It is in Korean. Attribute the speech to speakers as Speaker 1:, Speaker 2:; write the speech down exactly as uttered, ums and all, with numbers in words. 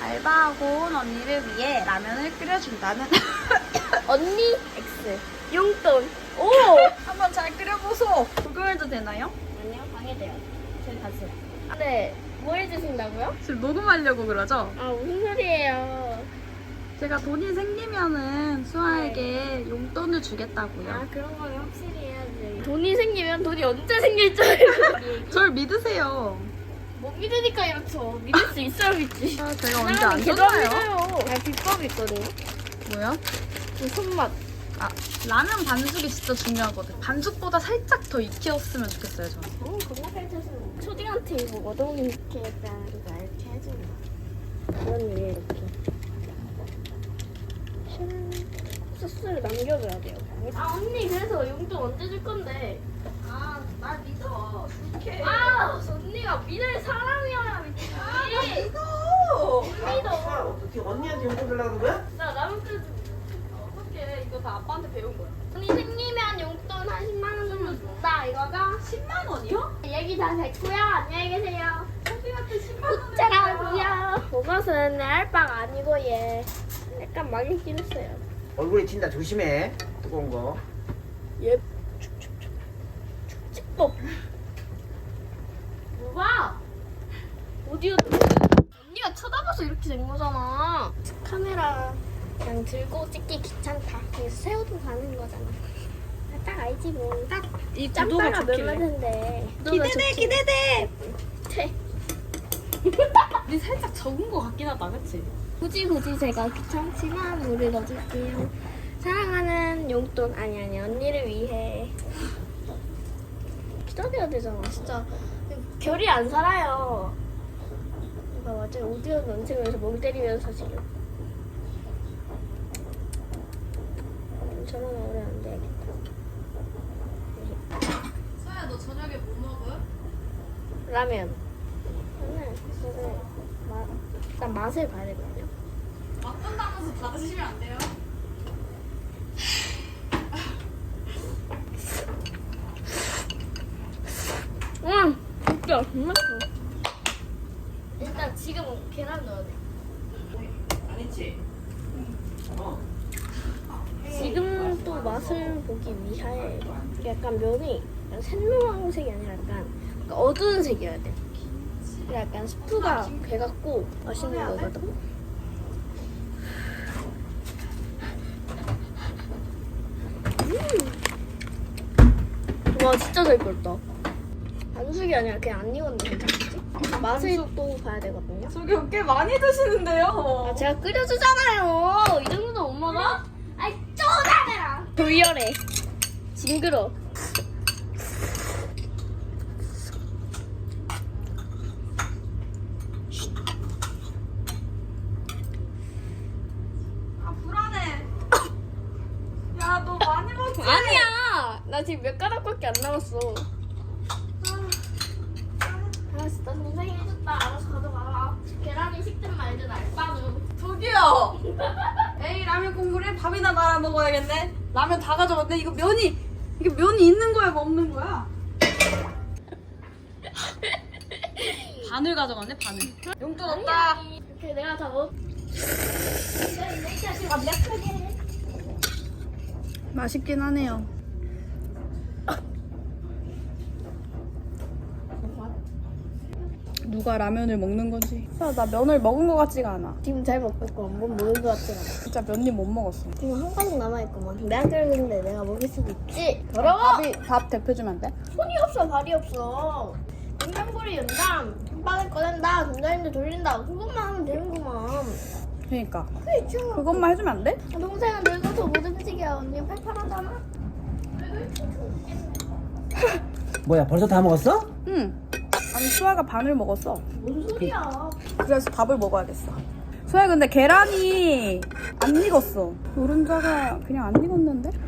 Speaker 1: 알바하고 온 언니를 위해 라면을 끓여준다는
Speaker 2: 언니 X 용돈. 오.
Speaker 1: 한번 잘 끓여보소. 구경해도 되나요?
Speaker 2: 아니요, 방해돼요. 저희 가세요. 네, 뭐 해주신다고요?
Speaker 1: 지금 녹음하려고 그러죠?
Speaker 2: 아, 무슨 소리예요?
Speaker 1: 제가 돈이 생기면은 수아에게
Speaker 2: 네.
Speaker 1: 용돈을 주겠다고요.
Speaker 2: 아, 그런 거는 확실히 해야지. 돈이 생기면 돈이 언제 생길 줄 알고.
Speaker 1: 절 믿으세요.
Speaker 2: 못 믿으니까 이렇죠. 믿을 수 있어야 믿지.
Speaker 1: 아, 제가 언제 안
Speaker 2: 계속
Speaker 1: 썼나요?
Speaker 2: 믿어요. 아, 비법이 있거든요.
Speaker 1: 뭐요?
Speaker 2: 그 손맛.
Speaker 1: 아, 라면 반죽이 진짜 중요하거든. 반죽보다 살짝 더 익혔으면 좋겠어요, 저는.
Speaker 2: 어, 겁나 살쪄서. 초딩한테 이거 어동이 이렇게 했다. 이거 이렇게 해주는 거. 그런 일이 이렇게. 소스를 남겨줘야 돼요. 아, 언니, 그래서 용돈 언제 줄 건데?
Speaker 1: 아, 날 믿어. 줄게.
Speaker 2: 아, 언니가 믿을 사람이어야 믿지.
Speaker 1: 믿어.
Speaker 2: 믿어.
Speaker 3: 어떻게 언니한테 용돈 달라고 하는 거야?
Speaker 2: 나 라면 끓여
Speaker 1: 어떻게 이거 다 아빠한테 배운 거야?
Speaker 2: 언니 생기면 용돈 한 십만 원 정도 준다 이거죠?
Speaker 1: 십만 원이요?
Speaker 2: 얘기 다 됐고요. 안녕히 계세요.
Speaker 1: 소비한테 십만 원을
Speaker 2: 짜라고요. 그것은 내 알바가 아니고 얘 약간 망했긴 했어요.
Speaker 3: 얼굴에 튄다 조심해. 뜨거운 거.
Speaker 2: 얘 축축축 축축법. 뭐야? 오디오 언니가 쳐다봐서 이렇게 된 거잖아. 카메라 그냥 들고 찍기 귀찮다. 그래서 세우고 가는 거잖아. 딱 알지 뭐.
Speaker 1: 이
Speaker 2: 짬바가 몇 마디인데.
Speaker 1: 기대돼, 기대돼.
Speaker 2: 돼.
Speaker 1: 우리 살짝 적은 거 같긴 하다, 그치?
Speaker 2: 굳이 굳이 제가 귀찮지만 물을 넣어줄게요. 사랑하는 용돈 아니 아니 언니를 위해 기다려야 되잖아. 진짜 결이 안 살아요. 이거 완전 오디오 면책면서 멍 때리면서 지금 저런 오래 안 돼야겠다.
Speaker 1: 수아야, 너 저녁에 뭐 먹어?
Speaker 2: 라면. 라면. 그래서 마, 일단 맛을 봐야 되거든요.
Speaker 1: 맛본다면서 받으시면 안 돼요?
Speaker 2: 응, 진짜 맛있어. 일단 지금 계란 넣어야 돼.
Speaker 3: 아니지. 어.
Speaker 2: 지금 또 맛을 보기 위하여 약간 면이 약간 샛노란색이 아니라 약간 어두운 색이어야 돼. 그래 약간 스프가 배갖고 맛있는 거거든. 음. 와 진짜 잘 끓었다. 반숙이 아니라 그냥 안 익었는데 괜찮겠지? 맛을 또 봐야 되거든요.
Speaker 1: 저기 꽤 많이 드시는데요?
Speaker 2: 아, 제가 끓여주잖아요. 이 정도 못 먹어? 아이, 쪼다해라. 돌려래. 징그러.
Speaker 1: 아, 불안해. 야, 너 많이 먹지?
Speaker 2: 아니야. 나 지금 몇 가닥밖에 안 남았어. 알았어, 난 동생이 해줬다. 알아서 가져가라. 계란이 식든 말든 알바는.
Speaker 1: 저기요. 에이, 라면 국물에 밥이나 말아 먹어야겠네. 라면 다 가져갔네. 이거 면이 이게 면이 있는 거야, 뭐 없는 거야? 반을 가져갔네, 반을. 용돈 없다.
Speaker 2: 이렇게 내가 다 먹. 내가 완벽하게.
Speaker 1: 맛있긴 하네요. 누가 라면을 먹는 건지. 아, 나 면을 먹은 것 같지가 않아.
Speaker 2: 지금 잘 먹고 있고 한번 먹은 것 같지 않아?
Speaker 1: 진짜 면이 못 먹었어.
Speaker 2: 지금 한 가닥 남아있구만. 내가 끓였는데 내가 먹을 수도 있지. 더러워!
Speaker 1: 밥이 밥 대표 주면 안 돼?
Speaker 2: 손이 없어, 발이 없어. 냉장고리 연다. 빵을 꺼낸다. 전자레인지 돌린다. 그것만 하면 되는구만.
Speaker 1: 그러니까
Speaker 2: 그렇죠.
Speaker 1: 그것만 해주면 안 돼?
Speaker 2: 동생은 늙어서 못 움직여. 언니 팔팔하잖아.
Speaker 3: 뭐야 벌써 다 먹었어?
Speaker 1: 응. 아니, 수아가 반을 먹었어.
Speaker 2: 뭔 소리야.
Speaker 1: 그래서 밥을 먹어야겠어. 수아야, 근데 계란이 안 익었어. 노른자가 그냥 안 익었는데?